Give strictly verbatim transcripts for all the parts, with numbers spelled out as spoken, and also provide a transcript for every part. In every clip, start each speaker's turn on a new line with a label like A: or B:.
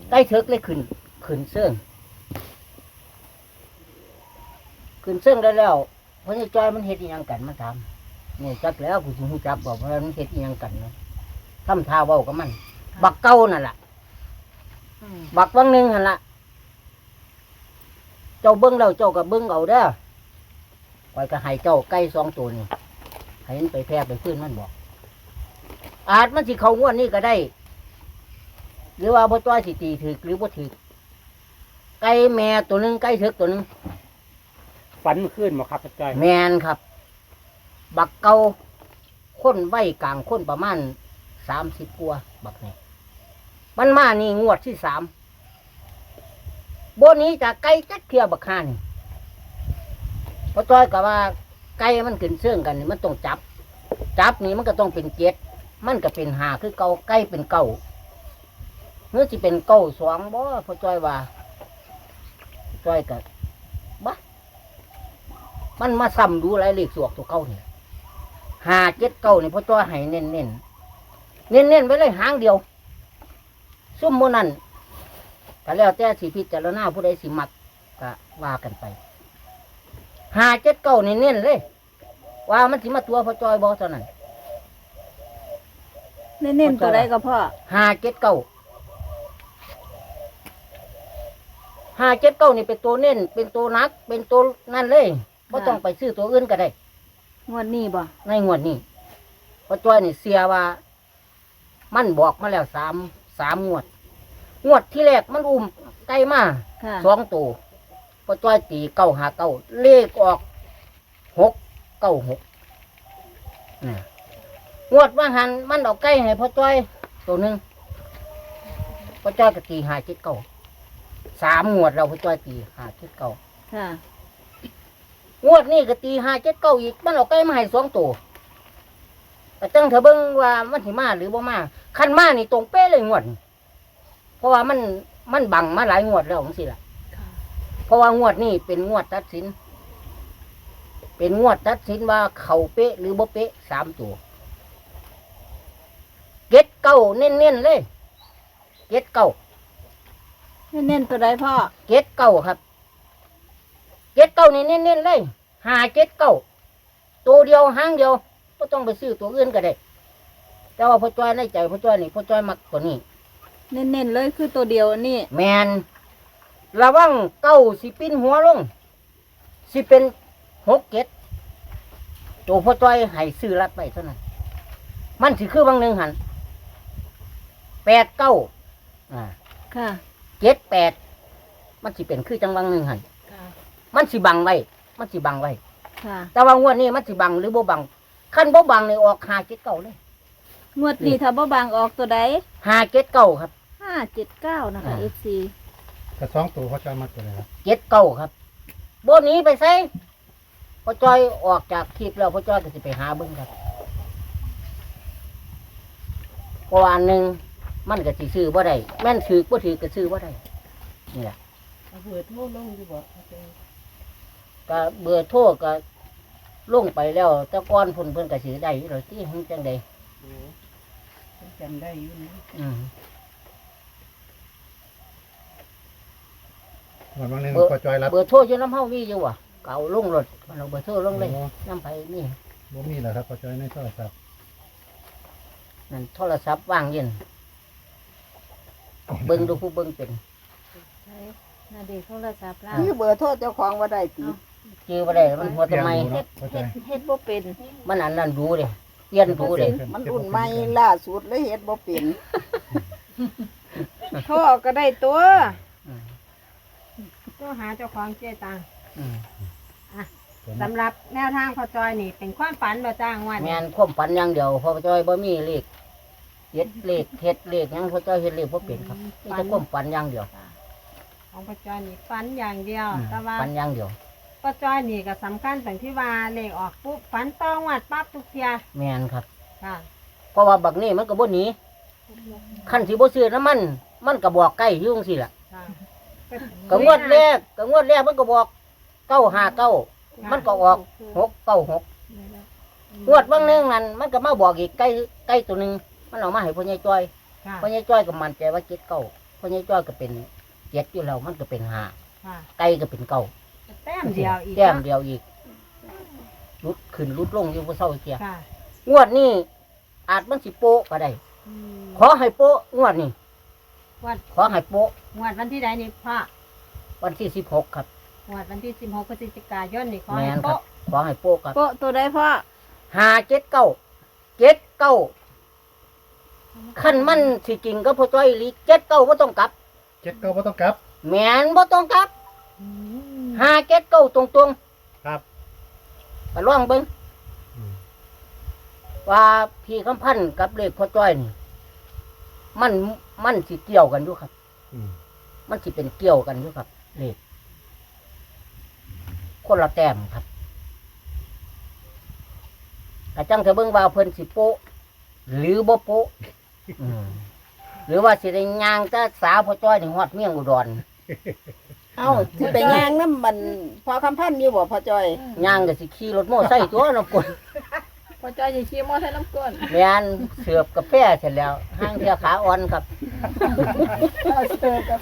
A: ไก่เถิกเลยขึ้นขึ้นเสื่องขึ้นเสื่องได้แล้วเพราะนี่จอยมันเฮ็ดอีหยังกันมันทำนี่จักแล้วกูสิฮู้จักบอกว่ามันเฮ็ดอีหยังกันนะทำท่าเว้ากับมันบักเก่านั่นล่ะบักวังหนึ่งหั่นล่ะเจ้าเบิ้งแล้วเจ้าก็เบิ้งเอาเด้อคอยก็ให้เจ้าไก่สองตัวนี่ให้มันไปแพร่ไปฟื้นมันบอกอาจมันสิเขางวดนี่ก็ได้หรือว่าบ่ต้อยสิตีถึกหรือบ่ถึกไก่แม่ตัวหนึ่งไก่เถิกตัวหนึ่ง
B: ฝันเมื่อคืนบ่ครับพ่อจ้อย
A: แมนครับ บักเก่าค้นไว้กลางค้นประมาณสามสิบกว่าบักนี่มันมานี่งวดที่สามบนนี้จะไก่จักเทียบักฮานี่พอจ้อยกับว่าไก่มันขึ้นเสื่องกันนี่มันต้องจับ จับนี่มันก็ต้องเป็นเจ็ดมันก็เป็นหาคือเก่าไก่เป็นเก่าเมื่อจะเป็นเก่าสองบ่พอจ้อยว่าจ้อยกับบ้ามันมาซ้ำดูไรเลขสวกตัวเก่าเนี่ยหาเจ็ดเก่านี่พอจ้อยให้เน้นเน้นเน้นเน้นๆไว้เลยหางเดียวซุ่มโมนั่นก็แล้วแต่สิพิจารณาผู้ใดสิมักก็ว่ากันไปหาเจ็ดเก้านี่เน้นเลยว่ามันสิมาตัวพอจอยบอเท่านั้น
C: เน้นๆตัวใดก็พ่อ
A: หาเจ็ดเก้าหาเจ็ดเก้านี่เป็นตัวเน้นเป็นตัวนักเป็นตัวนั่นเลยไม่ต้องไปซื้อตัวอื่นก็ได้
C: งวดนี้บ่
A: ในงวดนี้พอจอยนี่เสียว่า มันบอกมาแล้วสามสามงวด งวดที่แรกมันอุ้มไก่มา
C: ค่ะ
A: สองตัวพอจ้อยตีเก้าหาเก้าเลขออกหกเก้าหกงวดว่าหันมันเอาไก่ให้พอจ้อยตัวหนึ่งพอจ้อยก็ตีหาเจ็ดเก้าสามงวดเราพอจ้อยตีหาเจ็ดเก้า
C: ค่ะ
A: งวดนี้ก็ตีหาเจ็ดเก้าอีกมันเอาไก่มาให้สองตัวแต่จังเถอะเบิ้งว่ามันสิมาหรือบ่มาคันมานี่ตรงเป๊ะเลยงวดนี้เพราะว่ามันมันบังมาหลายงวดแล้วของสิล่ะเพราะว่างวดนี้เป็นงวดตัดสิน เป็นงวดตัดสินว่าเขาเป๊ะหรือบ่เป๊ะสามตัวเก็ดเก้าเน้นๆเลยเก็ดเก้า
C: เน้นๆตัวใดพ่อ
A: เก็ดเก้าครับเก็ดเก้านี่เน้นๆเลยหาเก็ดเก้าตัวเดียวหางเดียวก็ต้องไปซื้อตัวอื่นก็ได้แต่ว่าพ่อจ้อยในใจพ่อจ้อยนี่พ่อจ้อยมักตัวนี้
C: เน้นๆเลยคือตัวเดียวอันนี้
A: แมนระวังเก้าสิปิ้นหัวลงสิเป็นหกเก็ดตัวพ่อจ้อยให้ซื้อรัดไปเท่านั้นมันสิคือบางหนึ่งหันแปดเก้าอ่า
C: ค่ะ
A: เจ็ดแปดมันสิเป็นคือจังหวังหนึ่งหันมันสิบังไว้มันสิบังไว้
C: ค่ะ
A: แต่ว่างวดนี้มันสิบังหรือบ่บังขั้นบ่บังนี่ออกหาเจ็ดเก้าเลย
C: งวดนี้ถ้าบ่บางออกตัวใด
A: หาเจ็ดเก้าครับ
C: ห้าเจ็ดเก้านะคะ
A: อ่า
C: เอฟซี
B: กระสองตัวพ่อจ้อยมาตัวไหนครับ
A: เจ็ดเก้าครับโบหนี้ไปใส่พ่อจ้อยออกจากคลิปแล้วพ่อจ้อยก็สิไปหาเบิ้งครับเพราะว่าอันหนึ่งมันก็สิซื้อบ่ได้แม่นถือบ่ถือก็ซื้อบ่ได้นี่แหละ
D: เบื่อโทษลงดีกว่า
A: ก็เบื่อโทษก็ลงไปแล้วแต่ก่อนเพิ่นเพิ่นก็สิได้อยู่แล้วที่หึงจังใด
D: โอ้จำได้อยู่นะ
A: อืม
B: วันวันหนึง
A: เบอร์
B: พ่อจ้อยรับ
A: เบอร์โทรอยู่น้ำเฮามีอยู่ว่ะเก่าลงรถมันเอาเบอร์โทรลงเลย
B: โอ้
A: น้ำไปนี่
B: บ่มีแล้วครับพ่อจ้อยในโทรศัพท์
A: นั่นโทรศัพท์ว่างเย็นเบิ่งดูผู้เบิ่งเป็น
C: นาเด็กโทรศัพท์ล่า
D: นี่เบอร์โทษเจ้าของว่าได้ตี
A: จื้อบ่ได้มันหัว
B: เปลี่
A: ทำ
B: ยน
A: ไม
B: ดูเนาะพ่อจ้อย
C: เฮ็ดบ่เป็น
A: มันอันนั้นดูเลยเปลี่ยนดูเลย
D: มันรุ่นใหม่ล่าสุดเลยเฮ็ดบ่เป็นโทรก็ได้ตัว
A: อืม
E: ตัวหาเจ้าของเจ๊ตัง
A: อืม
E: สำหรับแนวทางพอจอยนี่เป็นความฝันบ่จ้างวัน
A: แม่นความฝันอย่างเดียวพอจอยบ่มีเลขเฮ็ดเลขเฮ็ดเลขหยังพอจอยเฮ็ดเลขบ่เป็นครับมีแต่ความฝันอย่างเดียว
E: ของพอจอยนี่ฝันอย่างเดียว
A: อืม
E: แต่ว่า
A: ฝันอย่างเดียว
E: พอจอยนี่ก็สำคัญตรงที่ว่าเลขออกปุ๊บฝันต้องวัดปั๊บทุกเทีย
A: แม่นครับ
E: ค่ะ
A: เพราะว่าบักนี้มันก็บ่หนีคันสิบ่ซื้อน้ำมัน มันก็บอกใกล้อยู่จังซี่ล่ะ
E: ค่ะ
A: ก็งวดแรกก็งวดแรกมันก็บอกเก้าห้าเก้ามันก็ออกหกเก้าหกงวดบางหนึงนั่นมันก็มาบอกอีกใกล้ใกล้ตัวหนึงมันเอามาให้พ่อใหญ่จ้อย
E: ค่ะ
A: พ่อใหญ่จ้อยก็มั่นใจว่าเจ็ดเก้าเพราะนี่จ้อยก็เป็นเจ็ดอยู่แล้วมันก็เป็นห้า
E: ค่ะ
A: ไก่ก็เป็นเก้า
E: แต้มเดียวอีก
A: แต้มเดียวอีกลุดขึ้นลุดลงอยู่บ่เศร้าเกีย
E: ค่ะ
A: งวดนี้อาจมันสิโปะก็ได้
E: อืม
A: ขอให้โปะงวดนี้
E: วัด
A: ขอให้โปะ
E: งวดวันที่ใดนี่พ่อ
A: วันที่สิบหกครับ
E: งวดวันที่สิบหกพฤศจิกายนนี่ขอ
A: แม
E: ให้
A: นครับ
E: โป๊ะ
A: ขอให้โปะครับ
C: โปะตัวใดพ่อ
A: ห้าเจ็ดเก้าเจ็ดเก้าขั้นมันสิจริงก็พอจ้อยอีหลีเจ็ดเก้าบ่ต้องกลับ
B: เจ็ดเก้าบ่ต้องกลับ
A: แมนบ่ต้องกลับ
E: อืม
A: ห้าเจ็ดเก้าตรง
B: ครับ
A: ๆก็ลองเบิ่ง
B: อืม
A: ว่าพี่คำพันธ์กับเลขพ่อจ้อยนี่มันมันสิเกี่ยวกันอยู่ครับ
B: อืม
A: มันสิเป็นเกี่ยวกันอยู่ครับเลขคนละแต้มครับแต่จังจะเบิ่งว่าเพิ่นสิโปะหรือบ่โปะอืมหรือว่าสิได้ย่างแต่สาวพ่อจ้อยถึงฮอดเมียงอุดร
D: เอ้าสิไปย่างน้ำมันพอคำพันธ์อยู่บ่พ่อจ้อย
A: ย่างก็สิขี่รถโม่ไซค์ตัวน้ำกล
C: พ่อจ้อยจะชี้มอใส่น้ำก้น
A: แม่นเสือบกาแฟเสร็จแล้วห้างเทียขาอ่อนครับ
C: เสิร์ฟกาแฟ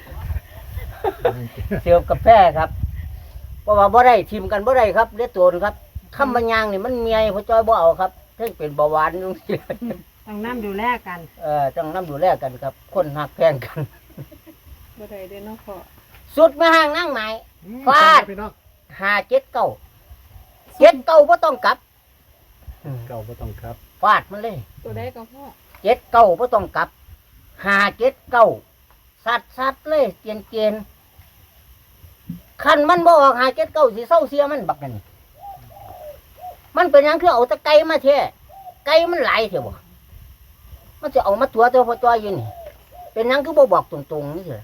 A: เสือบกาแฟครับ เพราะว่าบ่ได้ทิมกันบ่ได้ครับเลือดตัวครับคำบรรยางนี่มันเมียพ่อจ้อยบ่เอาครับเพิ่งเป็นเบาหวานจังซี่
E: ต้องน้ำดูแลกัน
A: เออต้องนำดูแลกันครับ คนหักแพงกัน
D: บ่ได้เด้อเนาะพ่อ
A: สุดมาห้างนั่งไหน
B: อืม
A: ฟาด
B: พี่น้อง
A: ห้าเจ็ดเก้าเจ็ดเก้าบ่ต้องกลับอืม
B: เก้าบ่ต้องครับ
A: ฟาดมันเลย
C: ตัวใดก็พ่อ
A: เจ็ดเก้าบ่ต้องกลับห้าเจ็ดเก้าสัดสัดเลยเกียนเกียนคันมันบ่ออกห้าเจ็ดเก้าสิเศร้าเสียมันบักนั่นมันเป็นหยังคือเอาแตะไก่มาแท้ไก่มันหลายเถอะบ่มันจะเอามาตัวตัวพอจอยอยู่นี่เป็นหยังคือบ่บอกตรงๆนี่สิ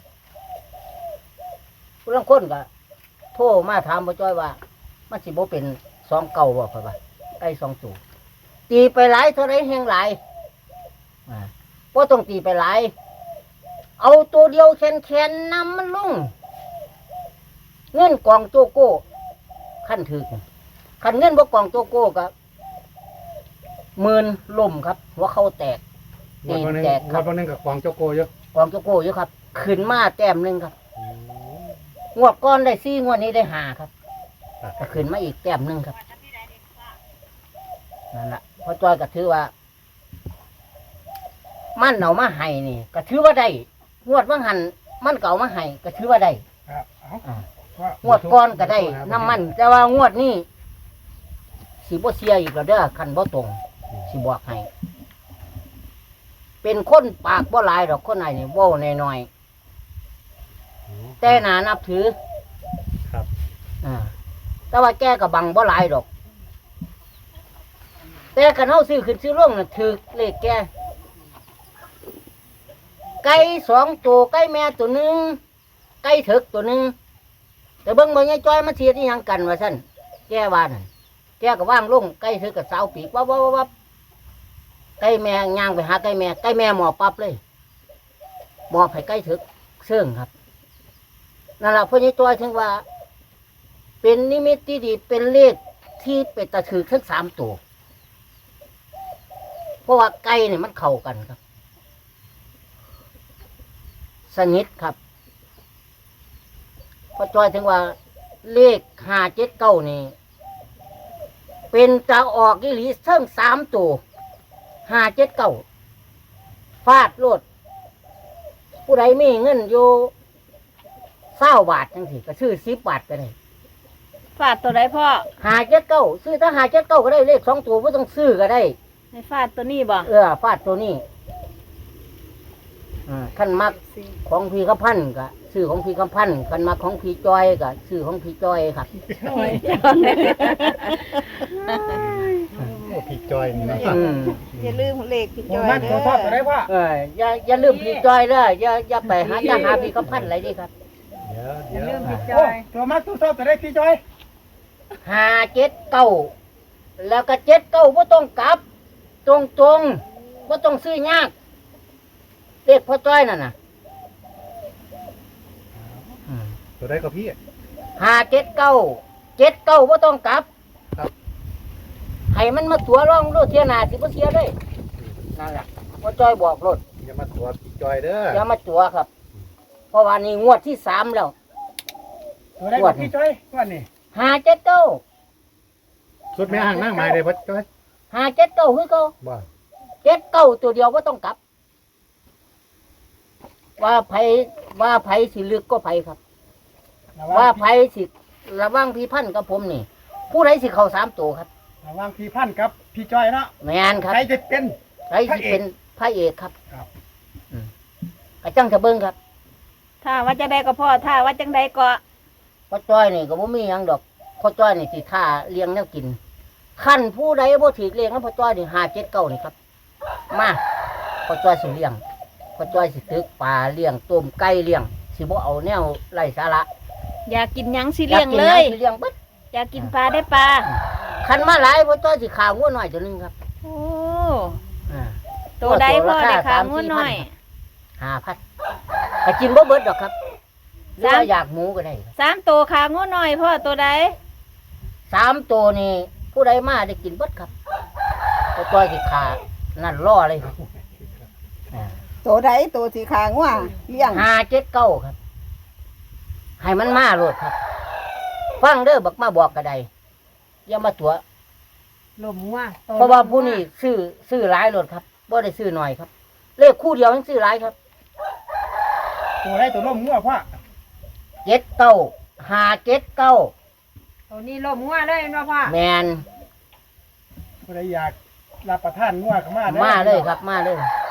A: ผู้ลางคนก็โทรมาถามพอจอยว่า มันสิบ่เป็นสองเก้าบ่ครับว่าไก่สองตัวตีไปหลายเท่าไรแห่งหลายอ่าบ่ต้องตีไปหลาย เอาตัวเดียวแขนๆนำมันลงเงินกองโจโก้ขั้นถึกขั้นเงินบ่กองโจโก้ก็หมื่นล่มครับ หัวเขาแตก
B: งวดวันหนึง
A: แจก
B: ง
A: ครั
B: ว
A: บ
B: ดวันหนึงกับกวางเจ้าโกเยอะ
A: กองโจโก้อยู่ครับ ขึ้นมาแต้มหนึ่งครับ
B: อืม
A: งวดก้อนได้สี่งวดนี้ได้ห้าครับ
B: ครับ
A: ก็ขึ้นมาอีกแต้มหนึ่งครับนั่นแหละพอจอยก็ถือว่า มันเอามาให้นี่ก็ถือว่าได้งวดว่าหันมันเก่ามาให้ก็ถือว่าได้
B: ครับเอา
A: อ่า
B: ว่าง
A: วดก้อนก็ได้น้ำมัน แต่ว่างวดนี้สีบ่เสียอีกแล้วเด้อคันบ่ตรงสิบอกให้เป็นคนปากบ่หลายดอกคนไหนนี่เว้าน้อยๆแต่หนานับถือ
B: ครับ
A: อ่าแต่ว่าแกก็บังบ่หลายดอก แต่คันเฮาซื้อขึ้นซื้อลงน่ะถือเลขแกไก่สองตัวไก่แม่ตัวหนึงไก่ถึกตัวหนึงแต่เบิ่งบ่ยายจ้อยมาเทียดอีหยังกันว่าซั่นแกว่านั่นแกก็ว่างลงไก่ถึกกับสาวปีกวับวับวับวับไก่แม่ย่างไปหาไก่แม่ไก่แม่หมอบปั๊บเลยหมอบให้ไก่ถึกเสื่องครับนั่นล่ะพ่อยายจ้อยถึงว่า เป็นนิมิตที่ดีเป็นเลขที่เป็นตะถือทั้งสามตัวเพราะว่าไก่เนี่ยมันเข้ากันครับ สนิทครับพอจอยถึงว่าเลขห้าเจ็ดเก้านี่เป็นจะออกอีหลีเทิงสามตัวห้าเจ็ดเก้าฟาดโลด ผู้ใดมีเงินอยู่เศร้าบาทจังสิก็ซื้อสิบบาทก็ได้
C: ฟาดตัวใดพ่อ
A: ห้าเจ็ดเก้าซื้อถ้าห้าเจ็ดเก้าก็ได้เลขสองตัวไม่ต้องซื้อก็ได้
C: ให้ฟาดตัวนี้บ่
A: เออฟาดตัวนี้อ่าขั้นมักของพี่คำพันธ์ก็ซื้อของพี่คำพันธ์ขั้นมักของพี่จอยก็ซื้อของพี่จอยครับ
B: โอ้พี่จอยนี่นะ
A: อืม
D: อย่าลืมเลขพี่จ้อย
B: มัน
D: เด้
B: ตัวทอดตัวได้
D: อ
B: พ่อ
A: เอออย่าอย่าลืมพี่จอยเลยอย่าอย่าไปหาอย่าหาพี่คำพันธ์อะไรดิครับ
B: เดี๋ยวเดี๋ยว
E: เรื่องพี่จ
B: โอ้
E: อย
B: ตัวมันตัวทอดตัวได้พี่จอย
A: ห้าเจ็ดเก้าแล้วก็เจ็ดเก้าไ่ต้องกลับ ตรงตรงไ่ต้องซื้อยากเลขพ่อจ้อยนั่นน่ะ
B: ตัวได้ก็พี่
A: ห้าเจ็ดเก้าเจ็ดเก้าไ่ต้องกลับ
B: ครับ
A: ให้มันมาตัวร่องรถเทียหนาสิบ่เสียเลยนั่นแหละพ่อจ้อยบอกรถ
B: อย่ามาตัวพี่จอยเด้อ
A: อย่ามาตัวครับราะว่านี่งวดที่สามแล้ว
B: ตัวได้กับพี่จ้อยวันนี้
A: หาเจ็ดเก้า
B: สุดแม่ห่างนั่งไม้เลยพ่อจ้อย
A: หาเจ็ดเก้าคือเก้า
B: บ่
A: เจ็ดเก้าตัวเดียวก็ต้องกลับ ว่าไผว่าไผสิลึกก็ไผครับ ว่าไผสิระว่างพี่พันธุ์กับผมนี่ ผู้ใดสิเข้าสามตัวครับ
B: ระหว่างพี่พันธุ์กับพี่จ้อยเนาะ
A: แมนครับ
B: ใครจะเป็น
A: ใครสิเป็นพระเอกครับ
B: ครับ
A: อืมกระจังจะเบิ้งครับ
C: ถ้าว่าจังใดก็พ่อถ้าว่าจังใดก็
A: พ่อจ้อยนี่ก็บ่มีหยังดอกพ่อจ้อยนี่สิท่าเลี้ยงแนวกินขั้นผู้ใดบ่ถือเลี้ยงแล้วพ่อจ้อยนี่ห้าเจ็ดเก้านี่ครับ มาพ่อจ้อยสิเลี้ยงพ่อจ้อยสิตึกปลาเลี้ยงต้มไก่เลี้ยงสิบ่เอาแนวไร้สาระ
C: อยากกินหยังสิเลี้ยง
A: อากกิน
C: เล
A: ห
C: ย
A: สิเลี้ยงเบิด
C: อยากกินปลาได้ปลา
A: คันมาหลายพ่อจ้อยสิขางัวหน่อยตัวหนึงครับ
C: โอ้
A: อ่า
C: ตัวใดพ่อ
A: ตัวราคา
C: ได้ขา
A: สาม
C: งู
A: สี่
C: น้อย
A: ห้าพันก็กินบ่เบิดดอกครับหรือ
C: สาม
A: ว่าอยากหมูก็ได้ครับ
C: สามตัวขางูน้อยพ่อตัวใด
A: สามตัวนี่ผู้ใดมาได้กินเบิดครับพ่อจ้อยสิขานั่นล่อเลยครับอ่า
D: ตัวใดตัวสีขางว่าเลี้ยง
A: ห้าเจ็ดเก้าครับ ให้มันมาโลดครับ ฟังเด้อบักมาบอกกระไดอย่ามาตัว
E: ลมว่า
A: เพราะว่าผู้นี้ซื้อซื้อหลายโลดครับบ่ได้ซื้อหน่อยครับ เลขคู่เดียวยังซื้อหลายครับ
B: ตัวได้ตัวร่มงัวพ่อ
A: เจ็ดเก้าห้าเจ็ดเก้า
E: ตัวนี้ลมว่าเลยเนาะพ่อ
A: แมน
B: ผู้ใดอยากรับประทานงัวก็มาด้อ
A: มาเลยครับ มาเลย
B: ค